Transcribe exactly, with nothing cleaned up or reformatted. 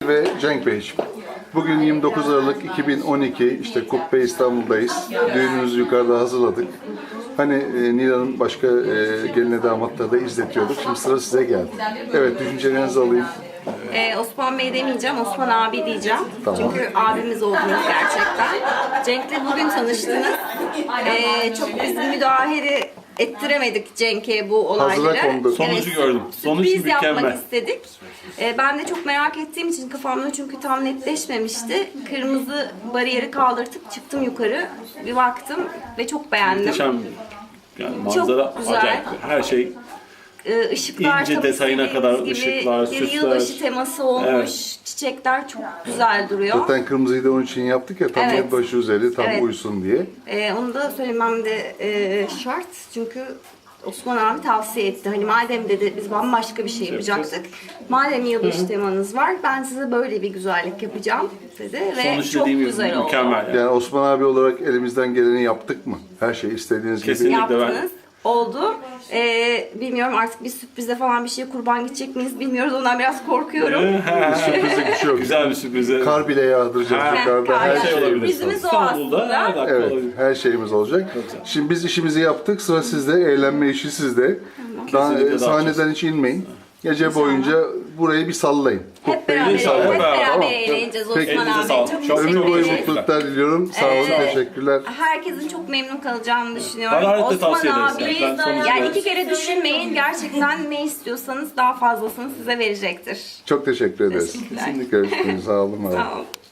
Ve Cenk Beyciğim. Bugün yirmi dokuz Aralık iki bin on iki, işte Kubbe İstanbul'dayız. Düğünümüzü yukarıda hazırladık. Hani e, Nilan'ın başka e, geline damatları da izletiyorduk. Şimdi sıra size geldi. Evet, düşüncelerinizi alayım. Ee, Osman Bey demeyeceğim, Osman abi diyeceğim. Tamam. Çünkü abimiz oldunuz gerçekten. Cenk'le bugün tanıştınız. Ee, çok biz müdahale ettiremedik Cenk'e bu olayları. Hazıra kondu. Sonucu gördüm. Sonuç Sürpriz yapmak mükemmel. istedik. Ee, ben de çok merak ettiğim için kafamda çünkü tam netleşmemişti. Kırmızı bariyeri kaldırtıp çıktım yukarı. Bir baktım ve çok beğendim. Muhteşem. Yani manzara güzel. acayip. Her şey Ee, ışıklar İnce tabii detayına istediğimiz kadar gibi, ışıklar, bir süsler. yılbaşı teması olmuş. Evet. Çiçekler çok güzel duruyor. Zaten kırmızıyı da onun için yaptık ya, tam Evet. yılbaşı üzeri, tam Evet. uysun diye. Ee, onu da söylemem de e, şart. Çünkü Osman abi tavsiye etti. Hani madem dedi biz bambaşka bir şey yapacaktık. Madem yılbaşı temanız var, ben size böyle bir güzellik yapacağım dedi ve sonuç çok dediğim gibi güzel oldu. mükemmel. Yani. Yani Osman abi olarak elimizden geleni yaptık mı? Her şey istediğiniz Kesinlikle. gibi. Yaptınız. Oldu. Ee, bilmiyorum artık bir sürprize falan bir şeye kurban gidecek miyiz bilmiyoruz. Ondan biraz korkuyorum. Sürprize bir şey yok. Güzel bir sürpriz. Kar bile yağdıracağız Ha, yukarıda. Her kar şey olabilir. Sürprizimiz o İstanbul'da aslında. her dakika Evet, olabilir. her şeyimiz olacak. Şimdi biz işimizi yaptık, sıra sizde, eğlenme işi sizde. Daha, Kesinlikle e, sahneden hiç inmeyin. Gece boyunca burayı bir sallayın. Hep beraber, İnşallah. hep Hep beraber beraber. eğleneceğiz Peki. Osman Elinize abi. sağlık. Çok Çok Ömür teşekkür boyu ederiz. mutluluklar diliyorum. Sağ olun, Evet. teşekkürler. Herkesin çok memnun kalacağını düşünüyorum. Hararetle Osman tavsiye ederiz. abi Yani ben sonucu yani gördüm. iki kere düşünmeyin. Gerçekten ne istiyorsanız daha fazlasını size verecektir. Çok teşekkür ederiz. Teşekkürler. Görüşürüz. Sağ olun. Sağ olun.